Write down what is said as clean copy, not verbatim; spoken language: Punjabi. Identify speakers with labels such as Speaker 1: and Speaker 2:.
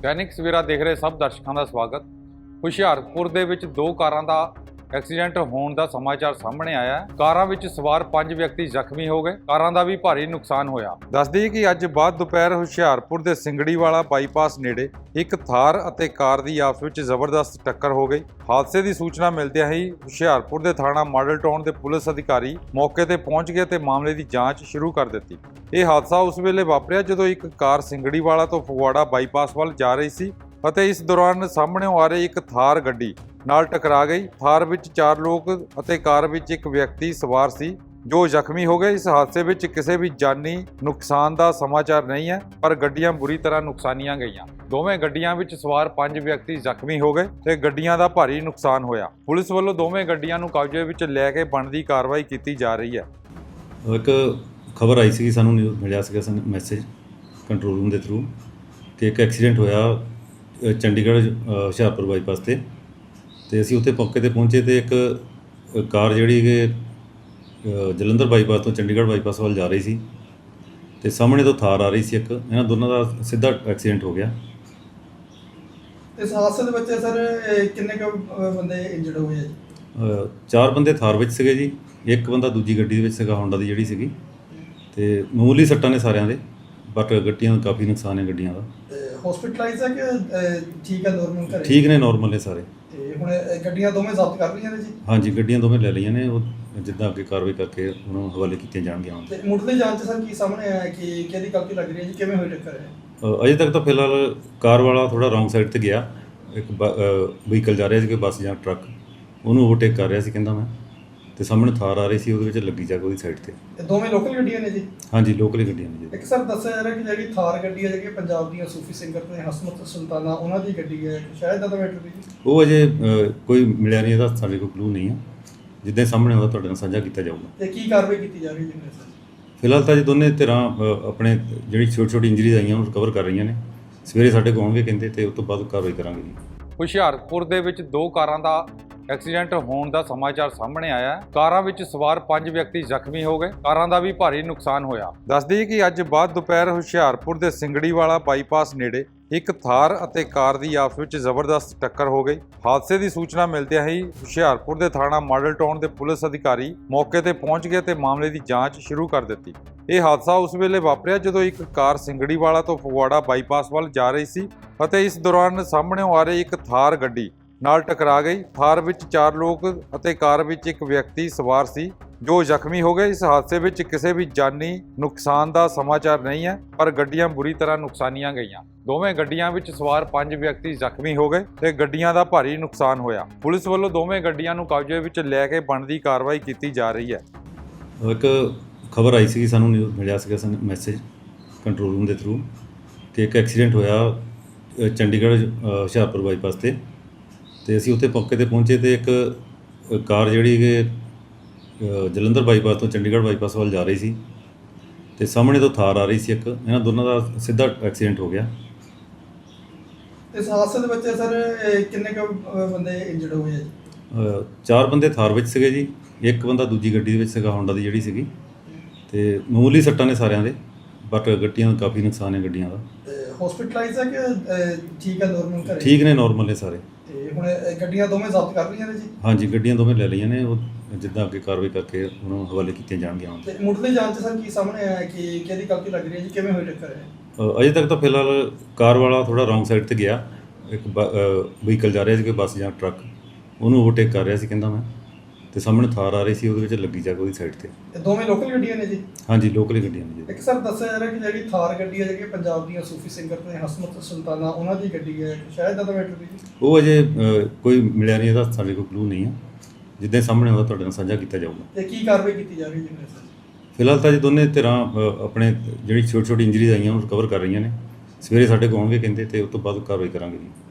Speaker 1: दैनिक सवेरा देख रहे सब दर्शकों का स्वागत। ਹੁਸ਼ਿਆਰਪੁਰ ਦੇ ਵਿੱਚ ਦੋ ਕਾਰਾਂ ਦਾ ਐਕਸੀਡੈਂਟ ਹੋਣ ਦਾ ਸਮਾਚਾਰ ਸਾਹਮਣੇ ਆਇਆ ਹੈ। ਕਾਰਾਂ ਵਿੱਚ ਸਵਾਰ 5 ਵਿਅਕਤੀ ਜ਼ਖਮੀ ਹੋ ਗਏ। ਕਾਰਾਂ ਦਾ ਵੀ ਭਾਰੀ ਨੁਕਸਾਨ ਹੋਇਆ। ਦੱਸ ਦਈਏ ਕਿ ਅੱਜ ਬਾਅਦ ਦੁਪਹਿਰ ਹੁਸ਼ਿਆਰਪੁਰ ਦੇ ਸਿੰਗੜੀਵਾਲਾ ਬਾਈਪਾਸ ਨੇੜੇ ਇੱਕ ਥਾਰ ਅਤੇ ਕਾਰ ਦੀ ਆਪਸ ਵਿੱਚ ਜ਼ਬਰਦਸਤ ਟੱਕਰ ਹੋ ਗਈ। ਹਾਦਸੇ ਦੀ ਸੂਚਨਾ ਮਿਲਦਿਆਂ ਹੀ ਹੁਸ਼ਿਆਰਪੁਰ ਦੇ ਥਾਣਾ ਮਾਡਲ ਟਾਊਨ ਦੇ ਪੁਲਿਸ ਅਧਿਕਾਰੀ ਮੌਕੇ ਤੇ ਪਹੁੰਚ ਗਏ ਤੇ ਮਾਮਲੇ ਦੀ ਜਾਂਚ ਸ਼ੁਰੂ ਕਰ ਦਿੱਤੀ। ਇਹ ਹਾਦਸਾ ਉਸ ਵੇਲੇ ਵਾਪਰਿਆ ਜਦੋਂ ਇੱਕ ਕਾਰ ਸਿੰਗੜੀਵਾਲਾ ਤੋਂ ਫਗਵਾੜਾ ਬਾਈਪਾਸ ਵੱਲ ਜਾ ਰਹੀ ਸੀ ਅਤੇ ਇਸ ਦੌਰਾਨ ਸਾਹਮਣੇੋਂ ਆ ਰਹੀ ਇੱਕ ਥਾਰ ਗੱਡੀ ਨਾਲ ਟਕਰਾ ਗਈ। ਥਾਰ ਵਿੱਚ 4 ਲੋਕ ਅਤੇ ਕਾਰ ਵਿੱਚ ਇੱਕ ਵਿਅਕਤੀ ਸਵਾਰ ਸੀ ਜੋ ਜ਼ਖਮੀ ਹੋ ਗਏ। ਇਸ ਹਾਦਸੇ ਵਿੱਚ ਕਿਸੇ ਵੀ ਜਾਨੀ ਨੁਕਸਾਨ ਦਾ ਸਮਾਚਾਰ ਨਹੀਂ ਹੈ, ਪਰ ਗੱਡੀਆਂ ਬੁਰੀ ਤਰ੍ਹਾਂ ਨੁਕਸਾਨੀਆਂ ਗਈਆਂ। ਦੋਵੇਂ ਗੱਡੀਆਂ ਵਿੱਚ ਸਵਾਰ 5 ਵਿਅਕਤੀ ਜ਼ਖਮੀ ਹੋ ਗਏ ਤੇ ਗੱਡੀਆਂ ਦਾ ਭਾਰੀ ਨੁਕਸਾਨ ਹੋਇਆ। ਪੁਲਿਸ ਵੱਲੋਂ ਦੋਵੇਂ ਗੱਡੀਆਂ ਨੂੰ ਕਬਜ਼ੇ ਵਿੱਚ ਲੈ ਕੇ ਬਣਦੀ ਕਾਰਵਾਈ ਕੀਤੀ ਜਾ ਰਹੀ ਹੈ।
Speaker 2: ਇੱਕ ਖਬਰ ਆਈ ਸੀ, ਸਾਨੂੰ ਨਿਊਜ਼ ਮਿਲਿਆ ਸੀਗਾ ਮੈਸੇਜ ਕੰਟਰੋਲ ਰੂਮ ਦੇ ਥਰੂ ਕਿ ਇੱਕ ਐਕਸੀਡੈਂਟ ਹੋਇਆ ਚੰਡੀਗੜ੍ਹ ਹੁਸ਼ਿਆਰਪੁਰ ਬਾਈਪਾਸ ਤੇ ਅਸੀਂ ਉੱਥੇ ਮੌਕੇ ਤੇ ਪਹੁੰਚੇ ਤੇ ਇੱਕ ਕਾਰ ਜਿਹੜੀ ਕਿ ਜਲੰਧਰ ਬਾਈਪਾਸ ਤੋਂ ਚੰਡੀਗੜ੍ਹ ਬਾਈਪਾਸ ਵੱਲ ਜਾ ਰਹੀ ਸੀ ਤੇ ਸਾਹਮਣੇ ਤੋਂ ਥਾਰ ਆ ਰਹੀ ਸੀ। ਇਹਨਾਂ ਦੋਨਾਂ ਦਾ ਸਿੱਧਾ ਐਕਸੀਡੈਂਟ ਹੋ ਗਿਆ।
Speaker 3: ਇਸ ਹਾਦਸੇ ਦੇ ਵਿੱਚ ਸਰ ਕਿੰਨੇ ਕੁ ਬੰਦੇ ਇੰਜਰਡ ਹੋਏ ਆ?
Speaker 2: 4 ਬੰਦੇ ਥਾਰ ਵਿੱਚ ਸੀਗੇ ਜੀ, ਇੱਕ ਬੰਦਾ ਦੂਜੀ ਗੱਡੀ ਦੇ ਵਿੱਚ ਸੀਗਾ, ਹੋਂਡਾ ਦੀ ਜਿਹੜੀ ਸੀਗੀ, ਤੇ ਮਾਮੂਲੀ ਸੱਟਾਂ ਨੇ ਸਾਰਿਆਂ ਦੇ, ਬਟ ਗੱਡੀਆਂ ਦਾ ਕਾਫੀ ਨੁਕਸਾਨ ਹੈ ਗੱਡੀਆਂ ਦਾ।
Speaker 3: ਹਸਪੀਟਲਾਈਜ਼ ਹੈ ਕਿ ਠੀਕ ਹੈ, ਨਾਰਮਲ ਘਰੇ?
Speaker 2: ਠੀਕ ਨੇ, ਨਾਰਮਲ ਨੇ ਸਾਰੇ।
Speaker 3: ਤੇ ਹੁਣ ਗੱਡੀਆਂ ਦੋਵੇਂ ਜ਼ਬਤ ਕਰ ਲਈਆਂ ਨੇ ਜੀ?
Speaker 2: ਹਾਂਜੀ, ਗੱਡੀਆਂ ਦੋਵੇਂ ਲੈ ਲਈਆਂ ਨੇ, ਉਹ ਜਿੱਦਾਂ ਅੱਗੇ ਕਾਰਵਾਈ ਕਰਕੇ ਉਹਨਾਂ ਨੂੰ ਹਵਾਲੇ ਕੀਤੀਆਂ ਜਾਣਗੀਆਂ।
Speaker 3: ਤੇ ਮੁੱਢਲੀ ਜਾਂਚ ਸਰ ਕੀ ਸਾਹਮਣੇ ਆਇਆ ਕਿ ਕਿਹਦੀ ਗਲਤੀ ਲੱਗ ਰਹੀ ਹੈ ਜੀ, ਕਿਵੇਂ ਹੋਈ ਟੱਕਰ ਹੈ?
Speaker 2: ਅਜੇ ਤੱਕ ਤਾਂ ਫਿਲਹਾਲ ਕਾਰ ਵਾਲਾ ਥੋੜਾ ਰੌਂਗ ਸਾਈਡ ਤੇ ਗਿਆ, ਇੱਕ ਵਹੀਕਲ ਜਾ ਰਿਹਾ ਸੀ, ਕੋਈ ਬੱਸ ਜਾਂ ਟਰੱਕ, ਉਹਨੂੰ ਓਵਰਟੇਕ ਕਰ ਰਿਹਾ ਸੀ ਕਹਿੰਦਾ ਮੈਂ, ਤੇ ਸਾਹਮਣੇ ਥਾਰ ਆ ਰਹੀ ਸੀ, ਉਹਦੇ ਵਿੱਚ ਲੱਗੀ ਜਾ ਕੇ ਉਹਦੀ ਸਾਈਡ ਤੇ।
Speaker 3: ਇਹ ਦੋਵੇਂ ਲੋਕਲ ਗੱਡੀਆਂ ਨੇ ਜੀ?
Speaker 2: ਹਾਂਜੀ, ਲੋਕਲ ਹੀ ਗੱਡੀਆਂ ਨੇ ਜੀ।
Speaker 3: ਇੱਕ ਸਰ ਦੱਸਿਆ ਜਾ ਰਿਹਾ ਕਿ ਜਿਹੜੀ ਥਾਰ ਗੱਡੀ ਹੈ ਜਿਹੜੀ ਪੰਜਾਬ ਦੀਆਂ ਸੂਫੀ ਸਿੰਗਰ ਤੇ ਹਸਮਤ ਸੁਲਤਾਨਾ ਉਹਨਾਂ ਦੀ ਗੱਡੀ ਹੈ, ਸ਼ਾਇਦ ਦਾ ਮੈਟਰ ਵੀ ਜੀ?
Speaker 2: ਉਹ ਅਜੇ ਕੋਈ ਮਿਲਿਆ ਨਹੀਂ, ਇਹਦਾ ਸਾਡੇ ਕੋਲ ਕਲੂ ਨਹੀਂ ਹੈ। ਜਿੱਦਾਂ ਸਾਹਮਣੇ ਆਉਂਦਾ ਤੁਹਾਡੇ ਨਾਲ ਸਾਂਝਾ ਕੀਤਾ ਜਾਊਗਾ।
Speaker 3: ਤੇ ਕੀ ਕਾਰਵਾਈ ਕੀਤੀ ਜਾ ਰਹੀ ਹੈ ਸਰ?
Speaker 2: ਫਿਲਹਾਲ ਤਾਂ ਜੀ ਦੋਨੇ ਧਿਰਾਂ ਆਪਣੇ ਜਿਹੜੀ ਛੋਟੀ ਇੰਜਰੀਜ਼ ਆਈਆਂ ਉਹਨੂੰ ਰਿਕਵਰ ਕਰ ਰਹੀਆਂ ਨੇ। ਸਵੇਰੇ ਸਾਡੇ ਕੋਲ ਆਉਣਗੇ ਕਹਿੰਦੇ, ਤੇ ਉਸ ਤੋਂ ਬਾਅਦ ਕਾਰਵਾਈ ਕਰਾਂਗੇ ਜੀ।
Speaker 1: ਹੁਸ਼ਿਆਰਪੁਰ ਦੇ ਵਿੱਚ ਦੋ ਕਾਰਾਂ ਦਾ ਐਕਸੀਡੈਂਟ ਹੋਣ ਦਾ ਸਮਾਚਾਰ ਸਾਹਮਣੇ ਆਇਆ ਹੈ। ਕਾਰਾਂ ਵਿੱਚ ਸਵਾਰ 5 ਵਿਅਕਤੀ ਜ਼ਖਮੀ ਹੋ ਗਏ। ਕਾਰਾਂ ਦਾ ਵੀ ਭਾਰੀ ਨੁਕਸਾਨ ਹੋਇਆ। ਦੱਸ ਦਈਏ ਕਿ ਅੱਜ ਬਾਅਦ ਦੁਪਹਿਰ ਹੁਸ਼ਿਆਰਪੁਰ ਦੇ ਸਿੰਗੜੀਵਾਲਾ ਬਾਈਪਾਸ ਨੇੜੇ ਇੱਕ ਥਾਰ ਅਤੇ ਕਾਰ ਦੀ ਆਪਸ ਵਿੱਚ ਜ਼ਬਰਦਸਤ ਟੱਕਰ ਹੋ ਗਈ। ਹਾਦਸੇ ਦੀ ਸੂਚਨਾ ਮਿਲਦਿਆਂ ਹੀ ਹੁਸ਼ਿਆਰਪੁਰ ਦੇ ਥਾਣਾ ਮਾਡਲ ਟਾਊਨ ਦੇ ਪੁਲਿਸ ਅਧਿਕਾਰੀ ਮੌਕੇ ਤੇ ਪਹੁੰਚ ਗਏ ਤੇ ਮਾਮਲੇ ਦੀ ਜਾਂਚ ਸ਼ੁਰੂ ਕਰ ਦਿੱਤੀ। ਇਹ ਹਾਦਸਾ ਉਸ ਵੇਲੇ ਵਾਪਰਿਆ ਜਦੋਂ ਇੱਕ ਕਾਰ ਸਿੰਗੜੀਵਾਲਾ ਤੋਂ ਫਗਵਾੜਾ ਬਾਈਪਾਸ ਵੱਲ ਜਾ ਰਹੀ ਸੀ ਅਤੇ ਇਸ ਦੌਰਾਨ ਸਾਹਮਣੇੋਂ ਆ ਰਹੀ ਇੱਕ ਥਾਰ ਗੱਡੀ ਨਾਲ ਟਕਰਾ ਗਈ। ਥਾਰ ਵਿੱਚ 4 ਲੋਕ ਅਤੇ ਕਾਰ ਵਿੱਚ ਇੱਕ ਵਿਅਕਤੀ ਸਵਾਰ ਸੀ ਜੋ ਜ਼ਖਮੀ ਹੋ ਗਏ। ਇਸ ਹਾਦਸੇ ਵਿੱਚ ਕਿਸੇ ਵੀ ਜਾਨੀ ਨੁਕਸਾਨ ਦਾ ਸਮਾਚਾਰ ਨਹੀਂ ਹੈ, ਪਰ ਗੱਡੀਆਂ ਬੁਰੀ ਤਰ੍ਹਾਂ ਨੁਕਸਾਨੀਆਂ ਗਈਆਂ। ਦੋਵੇਂ ਗੱਡੀਆਂ ਵਿੱਚ ਸਵਾਰ 5 ਵਿਅਕਤੀ ਜ਼ਖਮੀ ਹੋ ਗਏ ਤੇ ਗੱਡੀਆਂ ਦਾ ਭਾਰੀ ਨੁਕਸਾਨ ਹੋਇਆ। ਪੁਲਿਸ ਵੱਲੋਂ ਦੋਵੇਂ ਗੱਡੀਆਂ ਨੂੰ ਕਬਜ਼ੇ ਵਿੱਚ ਲੈ ਕੇ ਬਣਦੀ ਕਾਰਵਾਈ ਕੀਤੀ ਜਾ ਰਹੀ ਹੈ।
Speaker 2: ਇੱਕ ਖਬਰ ਆਈ ਸੀ, ਸਾਨੂੰ ਨਿਊਜ਼ ਮਿਲਿਆ ਸੀਗਾ ਮੈਸੇਜ ਕੰਟਰੋਲ ਰੂਮ ਦੇ ਥਰੂ ਕਿ ਇੱਕ ਐਕਸੀਡੈਂਟ ਹੋਇਆ ਚੰਡੀਗੜ੍ਹ ਹੁਸ਼ਿਆਰਪੁਰ ਬਾਈਪਾਸ ਤੇ ਅਸੀਂ ਉੱਥੇ ਮੌਕੇ ਤੇ ਪਹੁੰਚੇ ਤੇ ਇੱਕ ਕਾਰ ਜਿਹੜੀ ਕਿ ਜਲੰਧਰ ਬਾਈਪਾਸ ਤੋਂ ਚੰਡੀਗੜ੍ਹ ਬਾਈਪਾਸ ਵੱਲ ਜਾ ਰਹੀ ਸੀ ਤੇ ਸਾਹਮਣੇ ਤੋਂ ਥਾਰ ਆ ਰਹੀ ਸੀ। ਇਹਨਾਂ ਦੋਨਾਂ ਦਾ ਸਿੱਧਾ ਐਕਸੀਡੈਂਟ ਹੋ ਗਿਆ।
Speaker 3: ਇਸ ਹਾਦਸੇ ਦੇ ਵਿੱਚ ਸਰ ਕਿੰਨੇ ਕੁ ਬੰਦੇ ਇੰਜਰਡ ਹੋਏ ਆ ਜੀ?
Speaker 2: 4 ਬੰਦੇ ਥਾਰ ਵਿੱਚ ਸੀਗੇ ਜੀ, ਇੱਕ ਬੰਦਾ ਦੂਜੀ ਗੱਡੀ ਦੇ ਵਿੱਚ ਸੀਗਾ, ਹੋਂਡਾ ਦੀ ਜਿਹੜੀ ਸੀਗੀ, ਤੇ ਮਾਮੂਲੀ ਸੱਟਾਂ ਨੇ ਸਾਰਿਆਂ ਦੇ, ਬਟ ਗੱਡੀਆਂ ਦਾ ਕਾਫੀ ਨੁਕਸਾਨ ਹੈ ਗੱਡੀਆਂ ਦਾ।
Speaker 3: ਹਸਪੀਟਲਾਈਜ਼ ਹੈ ਕਿ ਠੀਕ ਹੈ, ਨਾਰਮਲ ਘਰੇ?
Speaker 2: ਠੀਕ ਨੇ, ਨਾਰਮਲ ਨੇ ਸਾਰੇ।
Speaker 3: ਤੇ ਹੁਣ ਗੱਡੀਆਂ ਦੋਵੇਂ ਜ਼ਬਤ ਕਰ ਲਈਆਂ ਨੇ ਜੀ? ਹਾਂਜੀ,
Speaker 2: ਗੱਡੀਆਂ ਦੋਵੇਂ ਲੈ ਲਈਆਂ ਨੇ, ਉਹ ਜਿੱਦਾਂ ਅੱਗੇ ਕਾਰਵਾਈ ਕਰਕੇ ਉਹਨਾਂ ਨੂੰ ਹਵਾਲੇ ਕੀਤੀਆਂ ਜਾਣਗੀਆਂ।
Speaker 3: ਤੇ ਮੁੱਢਲੀ ਜਾਂਚ ਸਰ ਕੀ ਸਾਹਮਣੇ ਆਇਆ ਕਿ ਕਿਹਦੀ ਗਲਤੀ ਲੱਗ ਰਹੀ ਹੈ ਜੀ, ਕਿਵੇਂ ਹੋਈ ਟੱਕਰ ਹੈ?
Speaker 2: ਅਜੇ ਤੱਕ ਤਾਂ ਫਿਲਹਾਲ ਕਾਰ ਵਾਲਾ ਥੋੜਾ ਰੌਂਗ ਸਾਈਡ ਤੇ ਗਿਆ, ਇੱਕ ਵਹੀਕਲ ਜਾ ਰਿਹਾ ਸੀ, ਕੋਈ ਬੱਸ ਜਾਂ ਟਰੱਕ, ਉਹਨੂੰ ਓਵਰਟੇਕ ਕਰ ਰਿਹਾ ਸੀ ਕਹਿੰਦਾ ਮੈਂ, ਤੇ ਸਾਹਮਣੇ ਥਾਰ ਆ ਰਹੀ ਸੀ, ਉਹਦੇ ਵਿੱਚ ਲੱਗੀ ਜਾ ਕੇ ਉਹਦੀ ਸਾਈਡ ਤੇ।
Speaker 3: ਇਹ ਦੋਵੇਂ ਲੋਕਲ ਗੱਡੀਆਂ ਨੇ ਜੀ? ਹਾਂਜੀ,
Speaker 2: ਲੋਕਲ ਹੀ ਗੱਡੀਆਂ ਨੇ ਜੀ।
Speaker 3: ਇੱਕ ਸਰ ਦੱਸਿਆ ਜਾ ਰਿਹਾ ਕਿ ਜਿਹੜੀ ਥਾਰ ਗੱਡੀ ਹੈ ਜਿਹੜੀ ਪੰਜਾਬ ਦੀਆਂ ਸੂਫੀ ਸਿੰਗਰ ਤੇ ਹਸਮਤ ਸੁਲਤਾਨਾ ਉਹਨਾਂ ਦੀ ਗੱਡੀ ਹੈ, ਸ਼ਾਇਦ ਦਾ ਮੈਟਰ ਵੀ ਜੀ?
Speaker 2: ਉਹ ਅਜੇ ਕੋਈ ਮਿਲਿਆ ਨਹੀਂ, ਇਹਦਾ ਸਾਡੇ ਕੋਲ ਕਲੂ ਨਹੀਂ ਹੈ। ਜਿੱਦਾਂ ਸਾਹਮਣੇ ਆਉਂਦਾ ਤੁਹਾਡੇ ਨਾਲ ਸਾਂਝਾ ਕੀਤਾ ਜਾਊਗਾ।
Speaker 3: ਤੇ ਕੀ ਕਾਰਵਾਈ ਕੀਤੀ ਜਾ ਰਹੀ ਹੈ ਸਰ?
Speaker 2: ਫਿਲਹਾਲ ਤਾਂ ਜੀ ਦੋਨੇ ਧਿਰਾਂ ਆਪਣੇ ਜਿਹੜੀ ਛੋਟੀ ਇੰਜਰੀਜ਼ ਆਈਆਂ ਉਹਨੂੰ ਰਿਕਵਰ ਕਰ ਰਹੀਆਂ ਨੇ। ਸਵੇਰੇ ਸਾਡੇ ਕੋਲ ਆਉਣਗੇ ਕਹਿੰਦੇ, ਤੇ ਉਸ ਤੋਂ ਬਾਅਦ ਕਾਰਵਾਈ ਕਰਾਂਗੇ ਜੀ।